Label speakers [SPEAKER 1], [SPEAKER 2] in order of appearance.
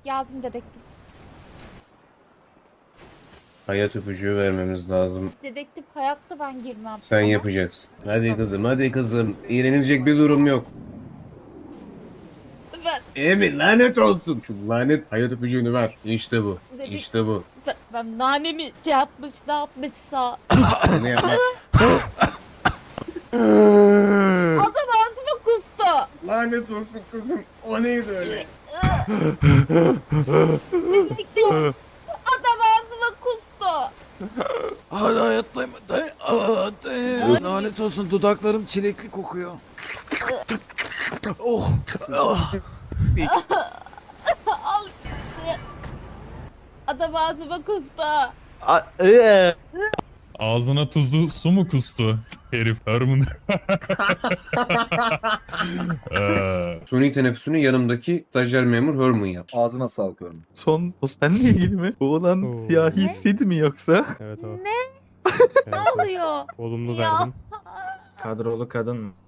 [SPEAKER 1] Geldim dedektif.
[SPEAKER 2] Hayat öpücüğü vermemiz lazım.
[SPEAKER 1] Dedektif hayatta ben girmem.
[SPEAKER 2] Sen
[SPEAKER 1] Ama
[SPEAKER 2] yapacaksın. Hadi kızım, hadi kızım. İğrenilecek bir durum yok.
[SPEAKER 1] Ben,
[SPEAKER 2] Emin lanet olsun. Şu lanet hayat öpücüğünü ver. İşte bu.
[SPEAKER 1] Dedik-
[SPEAKER 2] İşte bu.
[SPEAKER 1] ben nanemi şey yapmış ne yapmışsa.
[SPEAKER 2] Onu yapma.
[SPEAKER 1] Adam ağzıma kustu.
[SPEAKER 2] Lanet olsun kızım. O neydi öyle?
[SPEAKER 1] Dedektif. Adam ağzıma kustu.
[SPEAKER 3] Hala hayattayım. Lanet olsun, dudaklarım çilekli kokuyor. Oh. Ah.
[SPEAKER 1] Al. Adam ağzıma kustu.
[SPEAKER 4] Ağzına tuzlu su mu kustu? Herif Herman.
[SPEAKER 2] Suni teneffüsünü yanımdaki stajyer memur Herman yap.
[SPEAKER 5] Ağzına sağlık örneğin.
[SPEAKER 3] Son o seninle ilgili mi? Bu olan
[SPEAKER 6] Oo.
[SPEAKER 3] siyahi
[SPEAKER 1] Ne?
[SPEAKER 3] hissedi mi yoksa?
[SPEAKER 6] Evet o.
[SPEAKER 1] Ne
[SPEAKER 6] Evet, o.
[SPEAKER 1] oluyor?
[SPEAKER 6] Olumlu
[SPEAKER 1] Ya.
[SPEAKER 6] verdim.
[SPEAKER 5] Kadrolu kadın mı?